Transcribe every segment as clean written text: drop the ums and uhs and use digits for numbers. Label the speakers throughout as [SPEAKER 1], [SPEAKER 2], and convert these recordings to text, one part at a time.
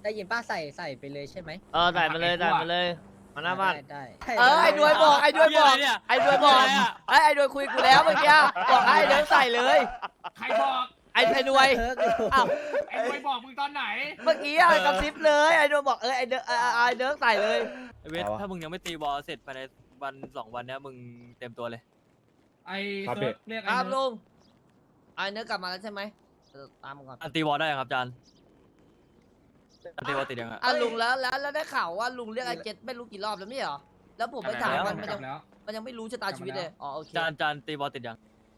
[SPEAKER 1] ได้ยินป้าใส่ไปเลยใช่ไหม
[SPEAKER 2] ใส่มาเลยมาหน้าบ้าน
[SPEAKER 1] ได้
[SPEAKER 2] ไอ้ด้วยบอกไอ้ด้วยบอกไอ้ด้วยบอกไอ้ด้วยคุยกูแล้วเมื่อกี้บอกให้เดินใส่เลย
[SPEAKER 3] ใครบอก
[SPEAKER 2] ไอ้ด้วยอ้าว
[SPEAKER 3] ไอ้ด้วยบอกมึงตอนไหน
[SPEAKER 2] เมื่อกี้กระซิบเลยไอ้ด้วยบอกไอ้เดินใส่เลย
[SPEAKER 4] เวทถ้ามึงยังไม่ตีบอลเสร็จภายในวัน2 วันเนี้ยมึงเต็มตัวเลย
[SPEAKER 3] ไอ้เซิร์ฟเรียก
[SPEAKER 2] ค
[SPEAKER 3] ไอ้
[SPEAKER 2] รับ
[SPEAKER 3] เนิ
[SPEAKER 2] ลุ
[SPEAKER 3] ร์ด
[SPEAKER 2] งไอ้เนื้อกลับมาแล้วใช่ไหมตามก่อน
[SPEAKER 4] อันตีบอลได้ยังครับจานอันตีบอลติดยังอ่ะ
[SPEAKER 2] ลุงแล้วได้ข่าวว่าลุงเรียกไอ้เจ็ดไม่รู้กี่รอบแล้วไม่เหรอแล้วผมไปถามมัน
[SPEAKER 3] กลับแล้ว
[SPEAKER 2] มันยังไม่รู้ชะตาชีวิตเลยอ๋อโอเค
[SPEAKER 4] จานตีบอลติดยัง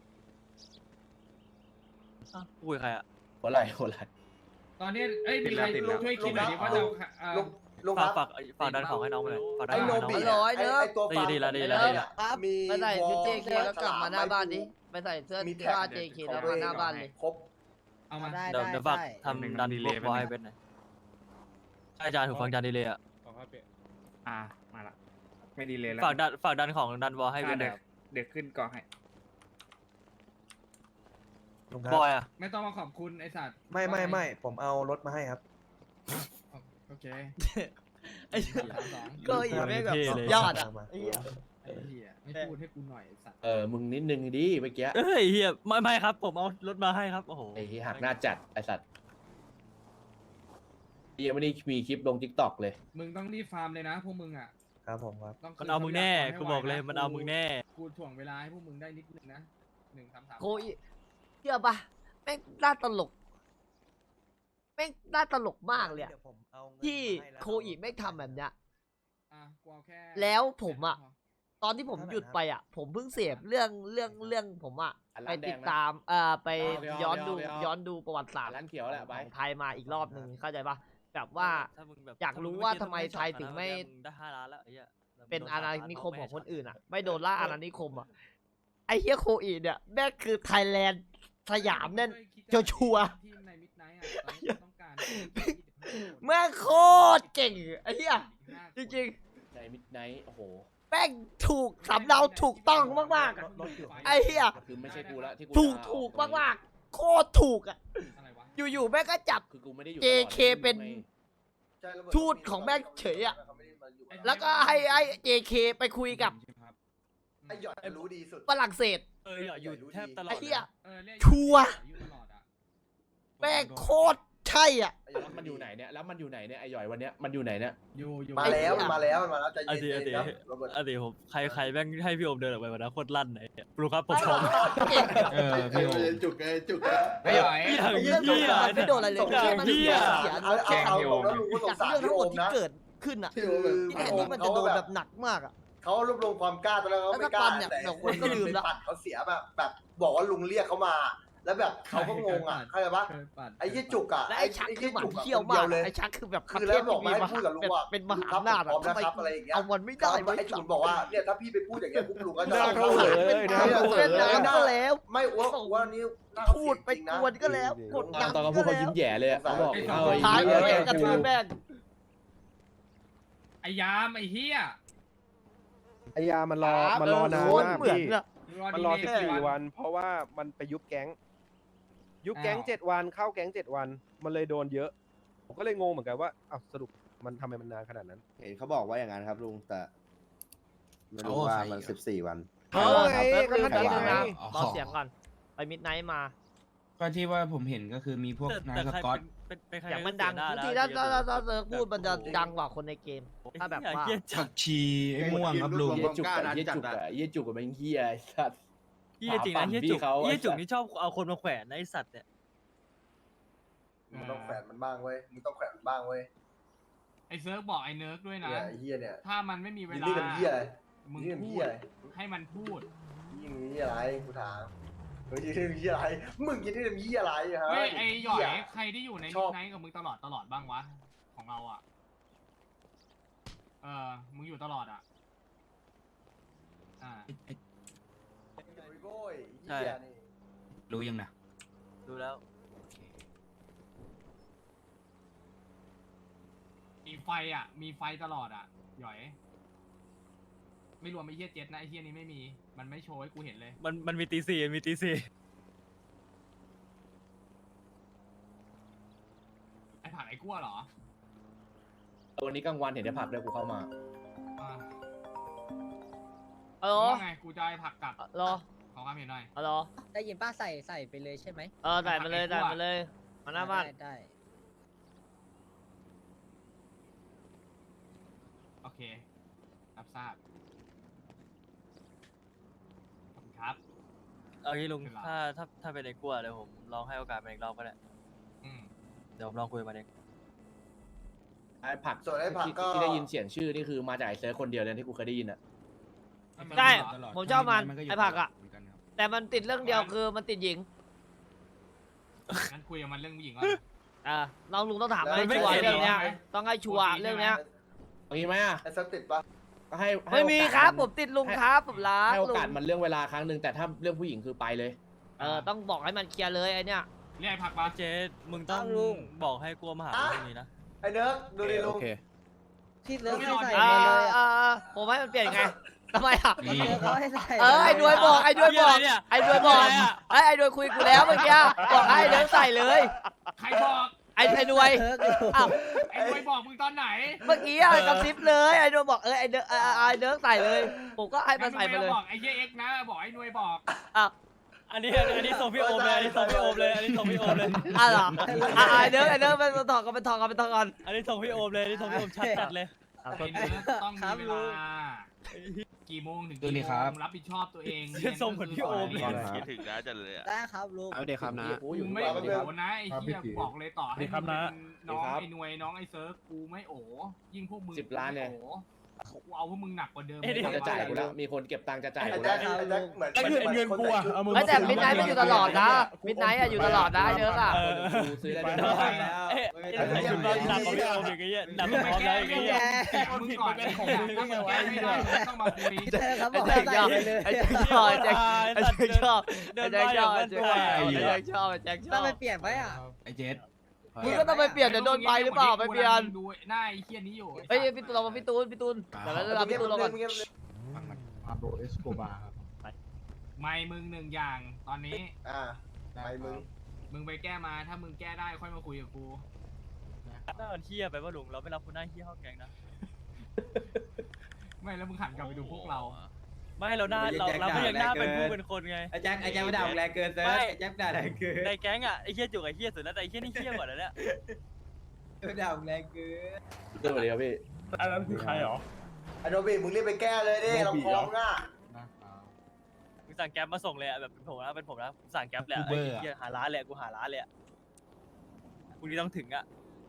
[SPEAKER 4] คุยใครอ่ะ
[SPEAKER 5] หัวไหล่หัวไหล่
[SPEAKER 3] ตอนนี้เอ้ยมีใครช่วยคิดหน่อยดิว่าจะ
[SPEAKER 6] ลุงครับ
[SPEAKER 4] ฝากดันของให้น้องไปเลยฝากดัน
[SPEAKER 6] ไอ้
[SPEAKER 4] ของ
[SPEAKER 6] โน
[SPEAKER 4] ให้น้อง
[SPEAKER 6] บิ
[SPEAKER 4] ไปเลย
[SPEAKER 6] ไอ้ตัวฟาร์ม
[SPEAKER 4] ดีละ
[SPEAKER 2] ครับ
[SPEAKER 6] มี
[SPEAKER 2] ไปใส่ชุด JK แล้วกลับมาหน้าบ้านดิไปใส่เสื้อ
[SPEAKER 6] มี
[SPEAKER 2] ที่
[SPEAKER 6] แท็ก
[SPEAKER 2] ว่า JK แล้วมาหน้าบ้านเลย
[SPEAKER 6] ครบ
[SPEAKER 3] เอามา
[SPEAKER 1] ได้
[SPEAKER 4] เดี๋ยวฝากทำดันบอลให้เวทหน่อยอาจารย์ถูกฟังจานดีเลยอ่ะ
[SPEAKER 3] มาละไม่ดีเลยแล้ว
[SPEAKER 4] ฝากดันของดันบอลให้เวทหน่อย
[SPEAKER 3] เดี๋ยวขึ้นก่อนให้
[SPEAKER 5] ลุงครับ
[SPEAKER 4] บอยอ่ะ
[SPEAKER 3] ไม่ต้องมาขอบคุณไอ้สัตว์
[SPEAKER 5] ไม่ผมเอารถมาให้ครับ
[SPEAKER 3] โอเค
[SPEAKER 2] ก็อีกไม่แบบยอดอ่ะ
[SPEAKER 3] ไอ้เหี้ยไม่พูดให้กูหน่อยไอ้สัตว์
[SPEAKER 5] มึงนิดนึงดิเมื่อกี้
[SPEAKER 4] เฮ้ยเฮียไม่ครับผมเอารถมาให้ครับโอ้โห
[SPEAKER 5] ไอ้ที่หักหน้าจัดไอ้สัตว์ยังไม่ได้มีคลิปลงทิกตอกเลย
[SPEAKER 3] มึงต้องรีบฟาร์มเลยนะพวกมึงอ่ะ
[SPEAKER 5] ครับผมครับ
[SPEAKER 3] ต้องคื
[SPEAKER 4] มันเอามึงแน่
[SPEAKER 3] ทรัพยากรให้
[SPEAKER 4] กูบอกเลย
[SPEAKER 3] ไวะ
[SPEAKER 4] มันเอามึงแน่
[SPEAKER 3] กูถ่วงเวลาให้พวกมึงได้นิดนึงนะ1 3 3
[SPEAKER 2] โคอีเชื่อปะแม่งน่าตลกแม่งน่าตลกมากเลยอะที่โคอีไม่งทำแบบเนี้ย
[SPEAKER 3] กูเอาแค่
[SPEAKER 2] แล้วผมอะ ตอนที่ผมหยุดไปอ่ะ ผมเพิ่งเสพเรื่องผมอ่ะ
[SPEAKER 5] อัน
[SPEAKER 2] ไป
[SPEAKER 5] ร้านแดงนะ
[SPEAKER 2] ติดตามไป
[SPEAKER 5] ไม่เอา
[SPEAKER 2] ย้อนดูประวัติศาสตร์
[SPEAKER 5] ร้านเขียวแหละ
[SPEAKER 2] ข
[SPEAKER 5] ไป
[SPEAKER 2] องไทยมาอีกรอบหนึ่งเข้าใจปะแบบว่า
[SPEAKER 4] ถ้มึงแบบ
[SPEAKER 2] อยากรู้ว่าทำไมไทยถึงไม่
[SPEAKER 4] มึได้5 ล้านแล้วไอ้เหี้ย
[SPEAKER 2] เป็นอาณานิคมของคนอื่นอ่ะ ไม่โดนล่าอาณานิคมอ่ะไอ้เฮียโคอีเนี่ยแม่งคือไทยแลนด์สยามแน่น ชัวร์
[SPEAKER 3] ทีมในมิดไนท์อ่ะตอนนี้ต้องการ
[SPEAKER 2] แม่งโคตรเก่งไอ้เฮียจริง
[SPEAKER 5] ในมิดไนท์โอ้โห
[SPEAKER 2] ๆแม่งถูกสำเนาถูกต้องมากๆอะ ไอ้เหี้ย
[SPEAKER 5] คือไม่ใช่กูละที่กู
[SPEAKER 2] ถูกมากๆโคตรถูกอ่ะ
[SPEAKER 3] อะไรวะ
[SPEAKER 2] อยู่ๆแม่งก็จับ
[SPEAKER 5] คือกูไม่ได้อยู่
[SPEAKER 2] JK เป็น ทูตของแม่งเฉยอะ แล้วก็ให้JK ไปคุยกับ
[SPEAKER 6] ไอ้หยอดรู้ดีสุด
[SPEAKER 2] ฝรั่งเศส
[SPEAKER 4] อยู่แทบตลอด
[SPEAKER 2] ไอ้เหี้ย
[SPEAKER 3] เรียก
[SPEAKER 2] ชัวร์
[SPEAKER 3] อยู่ตลอดอะ
[SPEAKER 2] แม่งโคตรใช่อ่ะ
[SPEAKER 5] แล้วมันอยู่ไหนเนี่ยแล้วมันอยู่ไหนเนี่ยไอ้หย่อยวันเนี้ยมันอยู่ไหนเนี่ย
[SPEAKER 3] อยู่
[SPEAKER 6] มาแล้วมันมาแล้วใจ
[SPEAKER 4] อ
[SPEAKER 6] เย็
[SPEAKER 4] ดี
[SPEAKER 6] นๆครับโรเบิร์ต
[SPEAKER 4] อดีผมใครแม่งให้พี่โอมเดินออกไปวันนั้นโคตรลั่นไหนรู้ครับผมพร้อม
[SPEAKER 2] เก่ง
[SPEAKER 6] พี่โอจุกไงจุกไง
[SPEAKER 3] ไม่ไหว
[SPEAKER 4] อย่าง
[SPEAKER 2] เรื่อง
[SPEAKER 4] เหี้ย
[SPEAKER 2] มันไม่โดนอะไรเลยแค่มัน
[SPEAKER 4] เหี้
[SPEAKER 2] เสี
[SPEAKER 4] ย
[SPEAKER 2] ย
[SPEAKER 6] เอาแล้วลุงก็สง
[SPEAKER 2] จาก
[SPEAKER 6] สาร
[SPEAKER 2] เรื่อง
[SPEAKER 6] พี่
[SPEAKER 2] ทั้งหมดที่
[SPEAKER 6] โอมนะ
[SPEAKER 2] เกิดขึ้นอ่ะ
[SPEAKER 6] พี่โอม
[SPEAKER 2] ที่แทนที่มันจะโดนแบบหนักมากอ่ะ
[SPEAKER 6] เขารวบรวมความกล้าตอนแรกเขาไม่กล้า
[SPEAKER 2] แล้วก็ปันเนี่ย
[SPEAKER 6] แต่
[SPEAKER 2] เดี๋ยวคนก็ลืมละ
[SPEAKER 6] ปัดเขาเสียแบบบอกว่าลุงเรียกเขามา แล้วแบบเขาก็งงอ่ะเข้าใจปะไอ้ยี่จุกอ่ะ
[SPEAKER 2] และไอ้ชักคือหมัน
[SPEAKER 6] จุก
[SPEAKER 2] เที่ยวมาก
[SPEAKER 6] เลย
[SPEAKER 2] ไอ้ชักคือแบบ
[SPEAKER 6] คือแล้วบอกมาให้พูดกับลุงว่า
[SPEAKER 2] เป็นมหาอำนาจ
[SPEAKER 6] พร้อม
[SPEAKER 2] ทำไม
[SPEAKER 6] นะครับอะไรอย่างเงี้ย
[SPEAKER 2] เอามันไม่ได้
[SPEAKER 6] ไอ้จุกบอกว่าเนี่ยถ้าพี่ไปพูดอย่างเงี้ยพวกลุงก็จะ
[SPEAKER 2] เขาหาเป็นทางเส้นน้ำก็แล้ว
[SPEAKER 6] ไม่ว่านี่
[SPEAKER 2] พูดไปกวนก็แล้วกดดัน
[SPEAKER 5] ตอนเขาพูดเขายิ้มแย่เลยอะเขาบอกเอาไอ้
[SPEAKER 2] ท้าย
[SPEAKER 5] เหี้ย
[SPEAKER 2] แม่งกระ
[SPEAKER 5] กู
[SPEAKER 2] ทืบแม่ง
[SPEAKER 3] ไอ้ยามไอ้เฮีย
[SPEAKER 7] ไอยามันรอนาน
[SPEAKER 2] โคตร
[SPEAKER 7] มาก
[SPEAKER 2] เหมือน
[SPEAKER 7] พี่
[SPEAKER 2] อะ
[SPEAKER 7] มันรอ14 วัน เพราะว่ามันไปยุบแก๊ง ยุบแก๊ง7 วันเข้าแก๊ง7 วัน มันเลยโดนเยอะ ผมก็เลยงงเหมือนกันว่าอ้าวสรุปมันทำไมมันนานขนาดนั้น
[SPEAKER 8] เห็นเขาบอกว่าอย่างนั้นครับลุงแต่ไม่รู้ว่ามัน14 วัน
[SPEAKER 7] เอาไง
[SPEAKER 2] ก็
[SPEAKER 7] ก็
[SPEAKER 2] คือ
[SPEAKER 7] นั่น
[SPEAKER 2] แป๊บ
[SPEAKER 7] ไง
[SPEAKER 2] นึงนะรอเสียงก่อน ไปมิดไนท์มา
[SPEAKER 9] ก็ที่ว่าผมเห็นก็คือมีพวกนายสกอต
[SPEAKER 4] เป็นใคร
[SPEAKER 2] เสียงมันดัง
[SPEAKER 4] ได้
[SPEAKER 2] ทุก
[SPEAKER 4] แล้ว
[SPEAKER 2] ทีถ้าเซิร์ฟพูดมันจะดังกว่าคนในเกม ถ้าแบบว่า
[SPEAKER 4] เหี้ย
[SPEAKER 9] ผักชีไอ้ม่วงครับลุง
[SPEAKER 5] เหี้ยจุกอะเหี้ยจุกอะเหี้ยจุกอะเป็นเหี้ยไอ้สัตว์
[SPEAKER 4] เหี้ยจริงนะเหี้ยจุก
[SPEAKER 5] เขา
[SPEAKER 4] เหี้ยจุกนี่ชอบเอาคนมาแขวนนะไอสัตว์เนี่ย
[SPEAKER 6] มึงต้องแขวนมันบ้างเว้ยมึงต้องแขวนมันบ้างเว้ย
[SPEAKER 3] ไอ้เซิร์ฟบอกไอ้เนิร์กด้วยนะ
[SPEAKER 6] เนี่ยไอ้เฮียเนี่ย
[SPEAKER 3] ถ้ามันไม่มีเว
[SPEAKER 6] ยิน
[SPEAKER 3] ลา
[SPEAKER 6] ดีกับเฮียอะไร
[SPEAKER 3] มึง
[SPEAKER 6] ยินดีกับ
[SPEAKER 3] พู
[SPEAKER 6] เฮีย
[SPEAKER 3] ด
[SPEAKER 6] อะไร
[SPEAKER 3] ให้มันพูด
[SPEAKER 6] ยินดีกับอะไรกูถามมึงยินดีกับเฮียอะไรมึงยินดีกับเฮียอะไรฮะ
[SPEAKER 3] เฮ้ยไอ้หย่อย
[SPEAKER 6] เหี้
[SPEAKER 3] ใครที่อยู่ใน
[SPEAKER 6] ช
[SPEAKER 3] มิ
[SPEAKER 6] อบ
[SPEAKER 3] ดไนท์กับมึงตลอดบ้างวะของเราอ่ะมึงอยู่ตลอดอ่ะ
[SPEAKER 6] โว้ยเฮียนี่
[SPEAKER 9] รู้ยังนะ
[SPEAKER 4] ดูแล้ว
[SPEAKER 3] มีไฟอ่ะ มีไฟตลอดอ่ะหย่อย ไม่รวมไอ้เฮียเจ็ดนะไอ้เฮียนี้ไม่มี มันไม่โชว์ให้กูเห็นเลย
[SPEAKER 4] มันมีตีสี่มีตีสี่
[SPEAKER 3] ไอ้ผ่านไอ้กั้วเหรอ
[SPEAKER 5] วันนี้กลางวันเห็นได้ผักด้วยกูเข้ามา
[SPEAKER 3] อ่ะ
[SPEAKER 2] ฮัลโหล
[SPEAKER 3] ว่าไงกูจะให้ผักกลับ
[SPEAKER 2] รอ
[SPEAKER 3] ขอความเห็นหน่อย
[SPEAKER 2] ฮัลโหล
[SPEAKER 1] ได้ยินป้าใส่ไปเลยใช่ไหม
[SPEAKER 2] ใส่มาเลยใส่มาเลยมาหน้าบ้าน
[SPEAKER 1] ได้
[SPEAKER 3] โอเค รับทราบ ขอบคุณครับ
[SPEAKER 4] เอางี้ลุง
[SPEAKER 3] เป็นไร
[SPEAKER 4] ถ้าเป็นไอ้กลัวเดี๋ยวผมลองให้โอกาสมันอีกรอบก็ได้
[SPEAKER 3] อืม
[SPEAKER 4] เดี๋ยวผมลองคุยกับมันเอง
[SPEAKER 5] ไอ้ผัก
[SPEAKER 6] ส่วนไอ้ผักก็
[SPEAKER 5] ที่ได้ยินเสียงชื่อนี่คือมาจากไอ้เซิร์ฟคนเดียวเลยที่กูเคยได้ยินอ่ะ
[SPEAKER 2] ใช่
[SPEAKER 9] ตลอด
[SPEAKER 2] ผมชอบมัน
[SPEAKER 9] ก็ยู่
[SPEAKER 2] ไอ้ผักอะ
[SPEAKER 9] เหมืนกันครับ
[SPEAKER 2] แต่มันติดเรื่องเดียวคือมันติดหญิง
[SPEAKER 3] งั้นคุยกับมันเรื่องผู้หญิงก่อน
[SPEAKER 2] น้องลุงต้องถาม
[SPEAKER 6] แล้ว
[SPEAKER 2] ให้
[SPEAKER 6] ไม่
[SPEAKER 2] ชัวร์
[SPEAKER 6] เห็น
[SPEAKER 2] เรื่องเนี้ย
[SPEAKER 3] เหรอ
[SPEAKER 2] ต้องให้ชัวร์เรื่องเนี้ย
[SPEAKER 5] เอางี้ไหมอ่ะ
[SPEAKER 6] ไอ้เซิร์ฟติดปะ
[SPEAKER 5] ก็ให้
[SPEAKER 2] ไม่มี
[SPEAKER 5] โอกาส
[SPEAKER 2] ครับ
[SPEAKER 5] น
[SPEAKER 2] ผมติดลุงครับผมรัก
[SPEAKER 5] ให้โอ
[SPEAKER 2] ลุง
[SPEAKER 5] กาสมันเรื่องเวลาครั้งหนึ่งแต่ถ้าเรื่องผู้หญิงคือไปเลย
[SPEAKER 2] ต้องบอกให้มันเคลียร์เลยไอ้เนี้ย
[SPEAKER 3] เรียกไอ้ผักมา
[SPEAKER 4] เจ๊มึงต้องบอกให้กลัวมาหาเรื่องนี้นะ
[SPEAKER 6] ไอ้เนิร์กดูดิลุง
[SPEAKER 1] ที่เลิกให้ใส่
[SPEAKER 2] อ่า
[SPEAKER 1] ไปเลยอะ
[SPEAKER 2] ผมให้มันเปลี่ยนไงทำไมอ่ะ
[SPEAKER 9] นี่
[SPEAKER 1] เลิกเขาให้ใส่
[SPEAKER 2] ไอ้ด้วยบอกไอ้ด้วยบอก
[SPEAKER 4] เหี้ยอะไรเนี่ย
[SPEAKER 2] ไอ้ด้วยบอก
[SPEAKER 4] เหี้ยอะไรอะ
[SPEAKER 2] ไอ้ด้วยคุยกูแล้วเมื่อกี้บอกให้เดินใส่เลย
[SPEAKER 3] ใครบอก
[SPEAKER 2] ไอ้ด้วย
[SPEAKER 1] เลิกอยู่
[SPEAKER 2] อ้าว
[SPEAKER 3] ไอ้บอยบอกมึงตอนไหน
[SPEAKER 2] เมื่อกี้กระซิบเลยไอ้ด้วยบอกไอ้เดินไอ้เดินใส่เลย ผมก็ให้มันใส่ไปเลย
[SPEAKER 3] บอกไอ้เหี้ยเอ็กซ์นะ บอกไอ้หน่วยบอก
[SPEAKER 2] อ้าว
[SPEAKER 4] อันนี้ส่งพี่โอมเลยอันนี้ส่งพี่โอมเลยอันนี้ส่งพี่โอมเลย
[SPEAKER 2] เหรอไอ้เดินไปถอดกันไปถอดกันไปถอดกัน
[SPEAKER 4] อันนี้ส่งพี่โอมเลยอันนี้ส่งพี่โอมชัดจัดเลย
[SPEAKER 3] ไอ้เนื้อต้องมีเวลา กี่โมงถึง
[SPEAKER 9] ดู
[SPEAKER 3] กี่
[SPEAKER 9] นี่
[SPEAKER 3] โม
[SPEAKER 9] ครับ
[SPEAKER 3] งรับผิดชอบตัวเอง
[SPEAKER 4] ส่งเหมือนพี่โอมเลย
[SPEAKER 10] คิดถึงนะจันเลยอะ
[SPEAKER 1] ได้ครับลุง
[SPEAKER 8] เอาเด็กครับนะ
[SPEAKER 5] กูอยู่
[SPEAKER 3] กู
[SPEAKER 5] ทุก
[SPEAKER 3] ไม่
[SPEAKER 5] วัน
[SPEAKER 3] โอ้นะไอ้เหี้ยกูบอกเลยต่อให้
[SPEAKER 9] ครับ
[SPEAKER 3] มึง
[SPEAKER 9] นะ
[SPEAKER 3] เป็นน้องไอ้หน่วยน้องไอ้เซิร์ฟกูไม่โอ้ยิ่งพวกมึง
[SPEAKER 5] 10 ล้านเนี่ย
[SPEAKER 3] กูเอาพวกมึงหนักกว่าเดิม
[SPEAKER 4] เอ้ย
[SPEAKER 5] จะจ่ายกูแล้วมีคนเก็บตังค์จะจ่าย
[SPEAKER 6] ไอ้
[SPEAKER 5] กู
[SPEAKER 6] แจ็
[SPEAKER 5] แล้
[SPEAKER 6] คว ไอ้แจ็คเหมือน
[SPEAKER 9] ไอ้เงินกูอะเอามือ
[SPEAKER 2] แต่มิดไนท์มันอยู่ตลอดนะมิดไนท์อยู่ตลอดนะเดินอ่ะ
[SPEAKER 5] กูซื้อได้
[SPEAKER 9] ไป
[SPEAKER 5] ด้วย
[SPEAKER 9] แล้ว
[SPEAKER 4] เอ๊ะหนักกว่าพี่โอมอีกไอ้เหี้ยหนักกว่าพร้อมแล้วอีกไอ้เหี้ย
[SPEAKER 3] มึงก่อนไอ้เหี้ยถ้ามึงแก้ไม่ได้มึงต้องมาคุย
[SPEAKER 1] เลิกครับบอก
[SPEAKER 2] ไอ้
[SPEAKER 1] ให้
[SPEAKER 2] แจ็ค
[SPEAKER 1] ใส่ไปเลย
[SPEAKER 2] ไอ้แจ็คชอบไอ้แจ็คชอบ
[SPEAKER 4] เดิ
[SPEAKER 2] ไอ้
[SPEAKER 4] น
[SPEAKER 2] แจ็ค
[SPEAKER 4] มา
[SPEAKER 2] ช
[SPEAKER 4] อ
[SPEAKER 2] อย่าง บ
[SPEAKER 4] มั
[SPEAKER 2] ไอ้
[SPEAKER 4] น
[SPEAKER 2] แจ็
[SPEAKER 4] ตัว
[SPEAKER 2] คชอบไอ้แจ็คช
[SPEAKER 1] ต้
[SPEAKER 2] อ
[SPEAKER 1] อง
[SPEAKER 2] บ
[SPEAKER 1] ไปเปลี่ยนไหมอ่ะ
[SPEAKER 9] ไอ้เจ๊ด
[SPEAKER 2] มึงก็ต้องไปเปลี่ยนเดี๋ยวโดนใบหรือเปล่าไปเปลี่ยน
[SPEAKER 3] ดูหน้าไอ้เหี้ยนี้อยู่
[SPEAKER 2] เฮ้ยพี่ตูนเรามาพี่ตูนเดี๋ยวเรารับพี่ตูนเราก่อน
[SPEAKER 9] ฟังมันพาโบเอสโกบาครับ
[SPEAKER 3] ไม่มึงหนึ่งอย่างตอนนี้
[SPEAKER 6] ไปมึง
[SPEAKER 3] มึงไปแก้มาถ้ามึงแก้ได้ค่อยมาคุยกับกู
[SPEAKER 4] หน้ามันเหี้ยไปว่าลุงเราไม่รับคุณหน้าเหี้ยเข้าแก๊งนะ
[SPEAKER 3] ไม่แล้วมึงหันกลับไปดูพวกเรา
[SPEAKER 4] ไม่เราหน้าเราก็ยังหน้าเป็นผู้เป็นคนไง
[SPEAKER 10] ไอ้แจ็คไม่ด่าแรงเกินเซิร์ฟไอ้แจ็คด่าแรงเกิน
[SPEAKER 4] ในแก๊งอ่ะไอ้เหี้ยจุกไอ้เหี้ยสุดแล้วแต่ไอ้เหี้ยนี่เหี้ยกว่าแล้วเนี่ย
[SPEAKER 10] ด่าแรงเกิน
[SPEAKER 5] เรื่องอะไรครับพี่
[SPEAKER 9] อันนั้นคือใครหรอ
[SPEAKER 6] ไอ้โนบิมึงรีบไปแก้เลยดิเราพร้อมง่ะ
[SPEAKER 4] กูสั่งแก๊ปมาส่งเลยอะแบบเป็นผมนะกูสั่งแก๊ปแหละไอ้เหี้ยหาร้านเลยกูหาร้านเลยพรุ่งนี้ต้องถึงอ่ะ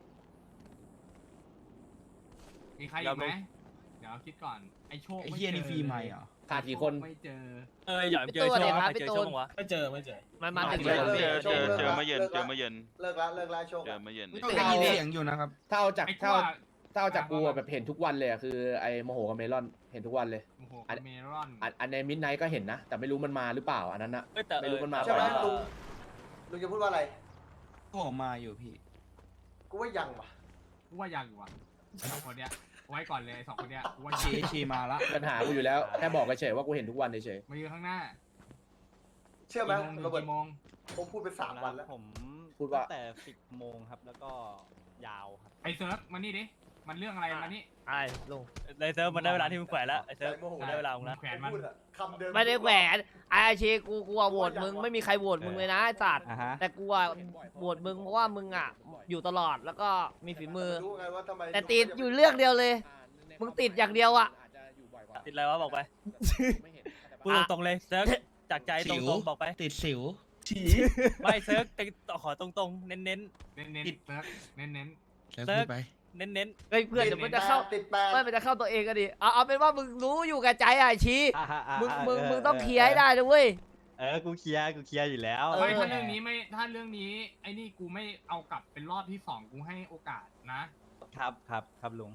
[SPEAKER 3] มีใครอีกไหมเดี๋ยวคิดก่อนไอ้โชค
[SPEAKER 9] ไอ้เฮียนี่ฟรีใหม่เหรอ
[SPEAKER 5] ขาดกี่คน
[SPEAKER 3] ไม่เจอ
[SPEAKER 4] อย่าเจอโชว์ใครเจอโชว์วะ
[SPEAKER 9] ไม่เจอ
[SPEAKER 2] มาถึง
[SPEAKER 10] เจ
[SPEAKER 2] แล้ว
[SPEAKER 10] อเมื่อเย็นเจอเมื่อเย็น
[SPEAKER 6] เลิกละโชค
[SPEAKER 10] เจอเมื่อเย็น
[SPEAKER 9] ได้ยินเสียงอยู่นะครับ
[SPEAKER 5] ถ้าเอาจาก
[SPEAKER 3] ไอ้
[SPEAKER 5] ถ้า
[SPEAKER 3] ขั้ว
[SPEAKER 5] ถ้าเอาจากกูอะแบบเห็นทุกวันเลยอะคือไอ้โมโหกับเมลอนเห็นทุกวันเลย
[SPEAKER 3] โอ้โหเมรอน
[SPEAKER 5] อันในมิดไนท์ก็เห็นนะ แต่ไม่รู้มันมาหรือเปล่าอันนั้นนะ
[SPEAKER 4] แต่
[SPEAKER 5] ไม่รู้มันมา
[SPEAKER 6] ใช่ไหม
[SPEAKER 5] เปล่า
[SPEAKER 6] ลุงจะพูดว่าอะไร
[SPEAKER 9] ผมมาอยู่พี่
[SPEAKER 6] กูว่ายังว่ะ
[SPEAKER 3] กูว่ายังอยู่อ่ะสองคนเนี้ยไว้ก่อนเลยสองคนเนี้ยกูว่า
[SPEAKER 9] เชเชมาละ
[SPEAKER 5] ปัญหากูอยู่แล้วแค่บอกเฉยๆว่ากูเห็นทุกวันเฉย
[SPEAKER 3] มายืนข้างหน้า
[SPEAKER 6] เชื่อไหม
[SPEAKER 3] กี่โมง
[SPEAKER 6] โรเบิร์ต
[SPEAKER 3] กี่โมง
[SPEAKER 6] ผมพูดไป3 วันแล้ว
[SPEAKER 8] ผม
[SPEAKER 5] พูดว่า
[SPEAKER 8] แต่10 โมงครับ แล้วก็ยาวครับ
[SPEAKER 3] ไอ้เซิร์ฟมานี่ดิมันเรื่องอะไรมานี่
[SPEAKER 2] ไอ้ลุง
[SPEAKER 4] ในเซิร์ฟมันได้เวลาที่มึงแขวนแล้วไอ้เซิร์ฟมันได้เวลามึงแล้ว
[SPEAKER 3] แขวนมัน
[SPEAKER 6] พูดอะคำเดิม
[SPEAKER 2] ไม่ได้แหวนไอ้ชีกูโหวตมึงไม่มีใครโหวตมึงเลยนะไอ้สัตว์
[SPEAKER 8] อ่ะฮะ
[SPEAKER 2] แต่กูโหวตมึงเพราะว่ามึงอ่ะอยู่ตลอดแล้วก็มีฝีมือ
[SPEAKER 6] รู้ไงว่าทำไม
[SPEAKER 2] แต่ติดอยู่เรื่องเดียวเลย มึงติดอย่างเดียวอะ
[SPEAKER 4] ติดอะไรวะบอกไปพูดตรงๆเลยเซิร์ฟจากใจตรงๆบอกไป
[SPEAKER 9] ติดสิว
[SPEAKER 4] ไม่เซิร์ฟขอตรงๆเน้น
[SPEAKER 3] เน้นเซิร์ฟเน้น
[SPEAKER 9] เซิร์ฟพูดไป
[SPEAKER 4] ๆเน้น
[SPEAKER 2] เฮ้ยเพื่อนเดี๋ยวมันจะเข้า
[SPEAKER 6] ติดแปด
[SPEAKER 2] ไม่มันจะเข้าตัวเองก็ดิเอาเป็นว่ามึงรู้อยู่กับใจอ่ะไอ้ชีมึงต้องเคลียร์ให้ได้ด้วยเวย
[SPEAKER 8] กูเคลียร์อยู่แล้ว
[SPEAKER 3] ๆไม่ถ้าเรื่องนี้ไม่ถ้าเรื่องนี้ไอ้นี่กูไม่เอากลับเป็นรอบที่สองกูให้โอกาสนะครับ
[SPEAKER 8] ลุง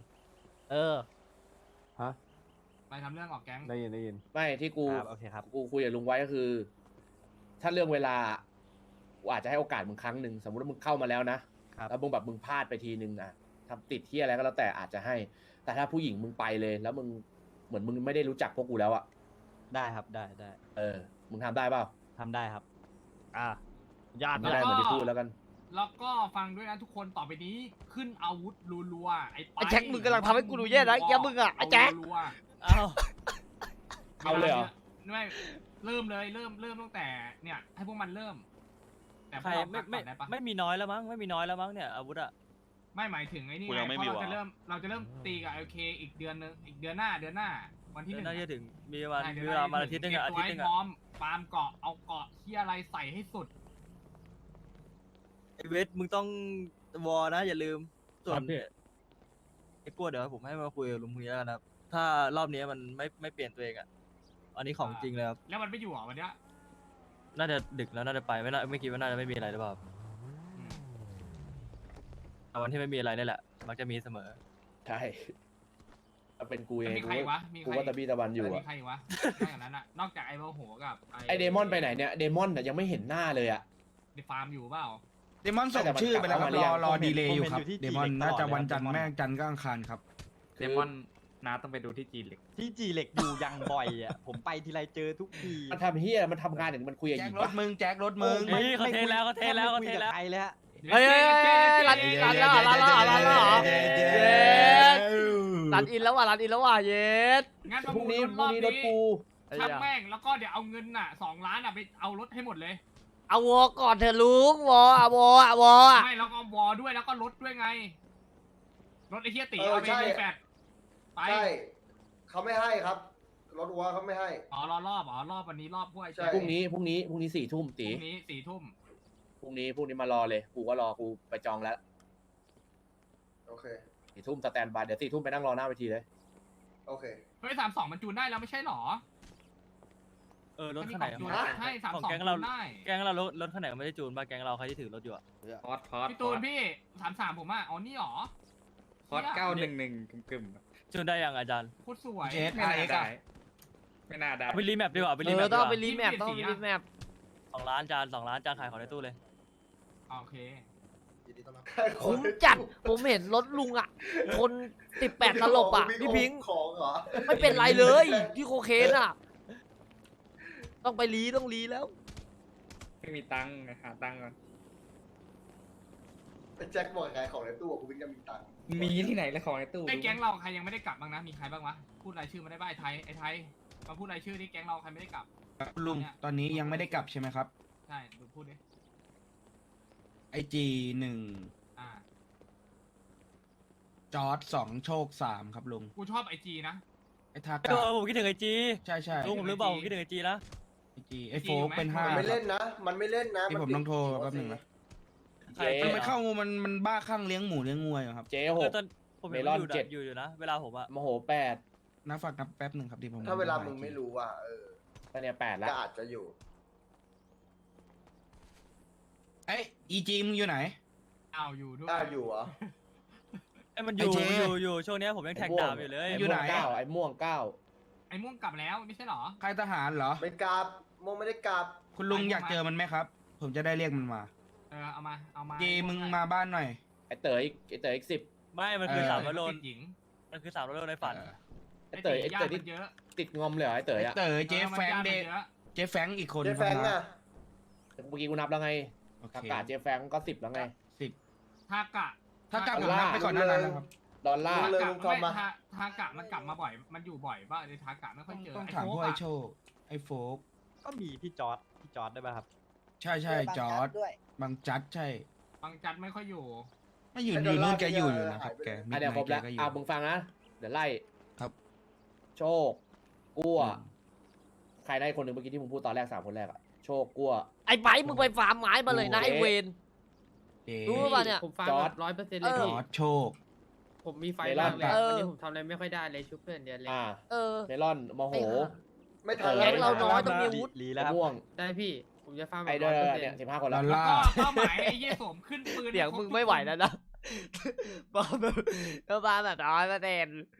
[SPEAKER 3] ไปทำเรื่องออกแก๊ง
[SPEAKER 8] ได้ยิน
[SPEAKER 5] ไม่ที่กู
[SPEAKER 8] โอเคครับ
[SPEAKER 5] กูคุยกับลุงไว้ก็คือ ถ้าเรื่องเวลากูอาจจะให้โอกาสมึงครั้งหนึ่งสมมติว่ามึงเข้ามาแล้วนะครับ แล้วมึงแบบมึงพลาดไปทีนึงอ่ะทำติดที่อะไรก็แล้วแต่อาจจะให้ แต่ถ้าผู้หญิงมึงไปเลย แล้วมึงเหมือนมึงไม่ได้รู้จักพวกกูแล้วอ่ะ
[SPEAKER 8] ได้ครับ ได้
[SPEAKER 5] มึงทำได้เปล่า
[SPEAKER 8] ทำได้ครับ
[SPEAKER 2] ญาติ
[SPEAKER 5] ไม่ได้เหมือนที่พูดแล้วกัน
[SPEAKER 3] แล้วก็ฟังด้วยนะทุกคนต่อไปนี้ขึ้นอาวุธรัวๆไอ้
[SPEAKER 2] ไอ้แจ็คมึงกำลังทำให้กูดูแย่นะแกมึงอะไอ้แจ็ค
[SPEAKER 3] รัว
[SPEAKER 4] เอ้า
[SPEAKER 3] ๆ
[SPEAKER 5] เอาเลยเหรอ
[SPEAKER 3] ไม่เริ่มเลยเริ่มตั้งแต่เนี่ยให้พวกมันเริ่ม แต่พ
[SPEAKER 4] ใคว ร
[SPEAKER 3] กเรา
[SPEAKER 4] ไม่
[SPEAKER 3] พักก่อนได้ปะ
[SPEAKER 4] ไม่มีน้อยแล้วมั้งไม่มีน้อยแล้วมั้งเนี่ยอาวุธอะ
[SPEAKER 3] ไม่หมายถึงไอ้นี่
[SPEAKER 10] กูยังไม่
[SPEAKER 3] เพ
[SPEAKER 10] มี
[SPEAKER 3] ราะ
[SPEAKER 10] ว่ะ
[SPEAKER 3] เราจะเริ่มตีกับ LK อีกเดือนนึงอีกเดือนหน้าวันที่หนึ่ง
[SPEAKER 4] น่าจะ
[SPEAKER 3] อะ
[SPEAKER 4] ถึงมีประมาณ
[SPEAKER 3] ใช่
[SPEAKER 4] มีเวลามาอาทิตย์หนึงอะ
[SPEAKER 3] เก็
[SPEAKER 4] อา
[SPEAKER 3] บ
[SPEAKER 4] ทิตย์หนึง
[SPEAKER 3] ตัวให้พร้อ
[SPEAKER 4] อะ
[SPEAKER 3] มฟาร์มเกาะเอาเกาะที่อะไรใส่ให้สุด
[SPEAKER 4] ไอเวทมึงต้องวอนะอย่าลืมส่วนไอ้กลัวเดี๋ยวผมให้มาคุยกับลุงพรุ่งนี้แล้วกันนะครับถ้ารอบนี้มันไม่เปลี่ยนตัวเองอะอันนี้ของจริงเลยครับ
[SPEAKER 3] แล้วมันไม่อยู่เหรอวันเนี้ย
[SPEAKER 4] น่าจะดึกแล้วน่าจะไปไม่คิดว่าน่าจะไม่มีอะไรหรือเปล่า
[SPEAKER 3] อืม
[SPEAKER 4] แต่วันที่ไม่มีอะไรนี่แหละมักจะมีเสมอ
[SPEAKER 5] ใช่ถ้าเป็นกูเอ
[SPEAKER 3] แล้ว
[SPEAKER 5] ง
[SPEAKER 3] มีใครวะมี
[SPEAKER 5] กู
[SPEAKER 3] ใคร
[SPEAKER 5] ว่าตะบี้ตะวันอยู่
[SPEAKER 3] แล้ว
[SPEAKER 5] อะ
[SPEAKER 3] มีใครวะนอกจากนั้นอะนอกจากไอ้โมโหกับ
[SPEAKER 5] ไอเดมอนไปไหนเนี่ยเดมอนน่ะยังไม่เห็นหน้าเลยอะ
[SPEAKER 3] ในฟาร์มอยู่เปล่า
[SPEAKER 9] เดมอนส่งชื่อไปแล้วครับ
[SPEAKER 5] แต่มันกลับมาหรือยัง
[SPEAKER 9] รอดีเลย์อยู่ครับ
[SPEAKER 10] ผมเห็นอยู่ที่
[SPEAKER 9] เดมอน
[SPEAKER 10] G-League
[SPEAKER 9] น่าจะ
[SPEAKER 10] ตลอดเลย
[SPEAKER 9] วันจันทร์
[SPEAKER 10] เดมอน
[SPEAKER 9] แม่งจันทร์ก็อังคารครับ
[SPEAKER 5] คือ
[SPEAKER 11] เดมอนน้าต้องไปดูที่จีนเหล็ก
[SPEAKER 10] ที่จีเหล็กอยู่ยังบ่อยอ่ะ ผมไปทีไรเจอทุกที
[SPEAKER 5] มันทำเฮียมันทำงานอย่างมันคุยกับห
[SPEAKER 9] แจ็
[SPEAKER 5] ญิ
[SPEAKER 9] ค
[SPEAKER 5] ง
[SPEAKER 9] ร
[SPEAKER 5] ปะ
[SPEAKER 9] ถมึงแจ็ครถมึง
[SPEAKER 4] เฮ้ยเขาเทแล้วเขาเทแล้วเขาเทแล้ว
[SPEAKER 10] ไม่คุยกับใครเลยฮะ
[SPEAKER 2] เฮ้ยรันแล้วเหรอรันแล้วเหรอรันแล้วเหรอเย็ดรันอินแล้วว่ะรันอินแล้วว่ะเย็ด
[SPEAKER 3] งั้นประ
[SPEAKER 5] พรุ่ง
[SPEAKER 3] มูล
[SPEAKER 5] นี้
[SPEAKER 3] ร
[SPEAKER 5] พรุ่
[SPEAKER 3] อง บ
[SPEAKER 5] นี้รถ
[SPEAKER 3] นี้
[SPEAKER 5] กู
[SPEAKER 3] ทำแม่งแล้วก็เดี๋ยวเอาเงินน่ะ2 ล้านอะไปเอารถให้หมดเลย
[SPEAKER 2] เอาวอก่อนเถอะลุงวออะวออะวออะ
[SPEAKER 3] ไม่แล้วก็วอด้วยแล้วก็รถด้วยไงรถไอ้เฮียตี
[SPEAKER 6] เออ
[SPEAKER 3] เอาไป
[SPEAKER 6] ใช่
[SPEAKER 3] รีแฟดไป
[SPEAKER 6] ใช่เขาไม่ให้ครับ รถวัวเขาไม่ให้
[SPEAKER 3] อ๋อรอบวันนี้รอบพวกไอ้
[SPEAKER 6] ใช่
[SPEAKER 3] เจ๊
[SPEAKER 5] พรุ่งนี้4 ทุ่ม
[SPEAKER 3] พ
[SPEAKER 5] ตี
[SPEAKER 3] รุ่งนี้4 ทุ่ม
[SPEAKER 5] พรุ่งนี้มารอเลยกูก็รอกูไปจองแล้ว
[SPEAKER 6] โอเค
[SPEAKER 5] 4 ทุ่มสแตนบายเดี๋ยว4 ทุ่มไปนั่งรอหน้าเวทีเลย
[SPEAKER 6] โอเค
[SPEAKER 3] เฮ้ย32มันจูนได้แล้วไม่ใช่หรอ
[SPEAKER 4] รถคันไหน
[SPEAKER 3] จูน
[SPEAKER 6] ฮะ
[SPEAKER 3] ใช่
[SPEAKER 4] ของ
[SPEAKER 3] 32
[SPEAKER 4] แก๊ง
[SPEAKER 3] จู
[SPEAKER 4] เรา
[SPEAKER 3] นได้
[SPEAKER 4] แก๊งเรารถคันไหนไม่ได้จูนป่ะแก๊งเราใครที่ถือรถอยู่อะ
[SPEAKER 11] พอดพอด
[SPEAKER 3] พี่ตูนพี่33ผมอ่ะอ๋อนี่หรอ
[SPEAKER 11] พอด
[SPEAKER 3] เหี้ย
[SPEAKER 11] 911กึ่ม
[SPEAKER 4] จูนได้ยังอาจารย์
[SPEAKER 3] โคตรสวย
[SPEAKER 9] เจส
[SPEAKER 11] ๆไม่
[SPEAKER 9] อะไร
[SPEAKER 11] น่า
[SPEAKER 9] กั
[SPEAKER 11] ได้ ไม่น่าได้
[SPEAKER 4] เอาไปรีแมปดีกว่าเอาไปรีแมป
[SPEAKER 2] ต้อง
[SPEAKER 4] ดีก
[SPEAKER 2] ไป
[SPEAKER 4] ว่า
[SPEAKER 2] รีแมปต้องรีแมป
[SPEAKER 4] 2 ล้านจาน2 ล้านจานขายของในตู้เลย
[SPEAKER 3] โอเค
[SPEAKER 2] คุ้มจัดผมเห็นรถลุงอ่ะคน18ตลบอ่ะพี่พิงค์
[SPEAKER 6] ของเหรอ
[SPEAKER 2] ไม่เป็นไรเลยที่โคเคนอ่ะ ต้องไปต้องรีแล้ว
[SPEAKER 11] ไม่มีตังค์หาตังค์ก่อน
[SPEAKER 6] แจ็คบอกขายของในตู้กูวิ่งจะมีตังค์
[SPEAKER 11] มีที่ไหนเลยของในตู้
[SPEAKER 3] ไอ้แก๊งเราใครยังไม่ได้กลับบ้างนะมีใครบ้างวะพูดรายชื่อมาได้บ้างไอ้ไทยมาพูดรายชื่อที่แก๊งเราใครไม่ได้กลับ
[SPEAKER 9] ลุงตอนนี้ยังไม่ได้กลับใช่ไหมครับ
[SPEAKER 3] ใช่ดูพูดดิ
[SPEAKER 9] IG1
[SPEAKER 3] อ่า
[SPEAKER 9] จอร์ด2โชค3ครับลุง
[SPEAKER 3] กูชอบไอจีนะ
[SPEAKER 9] ไอ้ทากะ
[SPEAKER 4] ผมคิดถึงไอจี
[SPEAKER 9] ใช่ใช่
[SPEAKER 4] ลุงผมลืมบอกผมคิดถึงไอจีนะ
[SPEAKER 9] IG ไอ้โฟกเป็น
[SPEAKER 6] มันไม่
[SPEAKER 9] 5
[SPEAKER 6] เล่นนะ มันไม่เล่นนะ
[SPEAKER 9] ที่ผมต้องโทรแป๊บหนึงนะ
[SPEAKER 5] เจ๊
[SPEAKER 9] มันเข้ามันบ้าข้างเลี้ยงหมูเลี้ยงงัวอยู่ครับ
[SPEAKER 5] เจ๊
[SPEAKER 4] ตอนผมเห็น
[SPEAKER 5] เมลอน
[SPEAKER 4] อยู่
[SPEAKER 5] 7
[SPEAKER 4] อยู่นะเวลาผมอะ
[SPEAKER 5] โมโห8
[SPEAKER 9] นับฝากนับแป๊บหนึ่งครับที่ผม
[SPEAKER 6] ถ้าเวลามึงไม่รู้อ่ะ
[SPEAKER 5] ตอนเนี้ย8แล้ว
[SPEAKER 6] ก็อาจจะอยู่
[SPEAKER 9] เอ้ย EG มึงอยู่ไหน
[SPEAKER 3] เอาอยู่ด้วย
[SPEAKER 6] ได้อยู่เหรอ
[SPEAKER 4] มันอ
[SPEAKER 9] ไอ้
[SPEAKER 4] ยู่
[SPEAKER 9] เจ๊
[SPEAKER 4] อยู่ช่วงเนี้ยผมยังแท็กดาบอยู่เลย
[SPEAKER 9] อยู่ไหน
[SPEAKER 5] ไอ้ม่วง
[SPEAKER 3] ไอ้ม่วงกลับแล้วไม่ใช่หรอ
[SPEAKER 9] ค่ายทหารเหรอ
[SPEAKER 6] ไม่กราบโมไม่ได้กราบ
[SPEAKER 9] คุณลุงอยากเจอมันไหมครับ ผมจะได้เรียกมันมา
[SPEAKER 3] เอามา
[SPEAKER 9] เจมึงมาบ้านหน่อย
[SPEAKER 5] ไอ้เต๋ออีก10
[SPEAKER 4] ไม่มันคือ
[SPEAKER 9] เออ
[SPEAKER 4] 300 โล
[SPEAKER 3] ติดหญิง
[SPEAKER 4] มันคือ300 โลในฝัน
[SPEAKER 5] ไอ้เต๋อ
[SPEAKER 3] ญาติ
[SPEAKER 5] ที่
[SPEAKER 3] มันเยอะ
[SPEAKER 5] ติดงอมเลยเหรอไอ้เต๋อ
[SPEAKER 9] ไอ้
[SPEAKER 5] อะ
[SPEAKER 9] เต๋อเจ๊แฟง
[SPEAKER 3] มัน
[SPEAKER 9] เด
[SPEAKER 3] ญาติมันเยอะ
[SPEAKER 9] เจ๊แฟงอีกคน
[SPEAKER 6] เจ๊แฟงอ่ะ
[SPEAKER 5] เมื่อกี้กูนับแล้วไง
[SPEAKER 9] โอเค
[SPEAKER 5] อากาศเจ๊แฟงก็10แล้วไง
[SPEAKER 9] 10
[SPEAKER 3] ทากะ
[SPEAKER 9] ถ้ากลับผมนับไปก่อนหน้านั้นแล้วครับ
[SPEAKER 5] ดอลลาร์
[SPEAKER 6] เลยลุงทอมมา
[SPEAKER 3] ทากะมันกลับมาบ่อยมันอยู่บ่อยป่ะในทากะไม่ค่อยเจอ
[SPEAKER 9] ต้อง
[SPEAKER 3] ไอ้
[SPEAKER 9] ถาม
[SPEAKER 3] โฟ
[SPEAKER 9] พวก
[SPEAKER 3] ก
[SPEAKER 9] ไอ้
[SPEAKER 3] อะ
[SPEAKER 9] โชค ไอ้โฟก
[SPEAKER 10] ก็มีพี่จอร์ดได้ป่ะครับ
[SPEAKER 9] ใช่ใช่จอร์ดบางจัดใช่
[SPEAKER 3] บางจัดไม่ค่อยอยู่
[SPEAKER 9] ไม่อยู่อยู่นู่นแกอยู่นะครับแกมิด
[SPEAKER 5] เดี๋ยว
[SPEAKER 9] ไน
[SPEAKER 5] ครบ
[SPEAKER 9] ท์แก
[SPEAKER 5] แล้ว
[SPEAKER 9] ก็อยู่
[SPEAKER 5] มึงฟังนะ เดี๋ยวไล่
[SPEAKER 9] ครับ
[SPEAKER 5] โชคกั้วใครได้คนหนึ่งเมื่อกี้ที่มึงพูดตอนแรก3 คนแรกอะโชคกั้ว
[SPEAKER 2] ไอ้ไบร์ทมึงไปฟาร์มไม้มาเลยนะไอ้เวน
[SPEAKER 9] เจ๊
[SPEAKER 2] รู้ป่ะเนี่ย
[SPEAKER 1] ผมฟัง
[SPEAKER 5] จอร์จ
[SPEAKER 1] 100%เลย
[SPEAKER 2] เออ
[SPEAKER 9] จ
[SPEAKER 1] พี่
[SPEAKER 9] อร์ดโชค
[SPEAKER 1] ผมมีไฟ
[SPEAKER 5] เมลอ
[SPEAKER 1] มาน กเลย
[SPEAKER 2] เออ
[SPEAKER 1] วันนี้ผมทำอะไรไม่ค่อยได้เลยชุบเพื่อนเดียวเลย
[SPEAKER 2] เออ
[SPEAKER 5] เมลอนโมโห
[SPEAKER 6] ไม่ทัน
[SPEAKER 2] แก๊งเราน้อยต้องมีอาวุธ
[SPEAKER 10] ลีแล้ว
[SPEAKER 5] มะ
[SPEAKER 10] ครับ
[SPEAKER 5] ม่วง
[SPEAKER 1] ได้พี่ ผมจะฟาร์มแบ
[SPEAKER 5] ไอ้
[SPEAKER 1] บ
[SPEAKER 5] เด้อ
[SPEAKER 1] 100%
[SPEAKER 5] เนี่ย15 คน
[SPEAKER 9] ด
[SPEAKER 5] แล้
[SPEAKER 9] อ
[SPEAKER 5] ว
[SPEAKER 9] ล
[SPEAKER 3] แล้ว
[SPEAKER 9] ลา
[SPEAKER 3] ก็
[SPEAKER 9] ร์
[SPEAKER 3] เป้าหมายไอ้เหี้ยสวมขึ้นปืน
[SPEAKER 2] เสียงมึงไม่ไหวแล้วนะ บ้าแบบ100%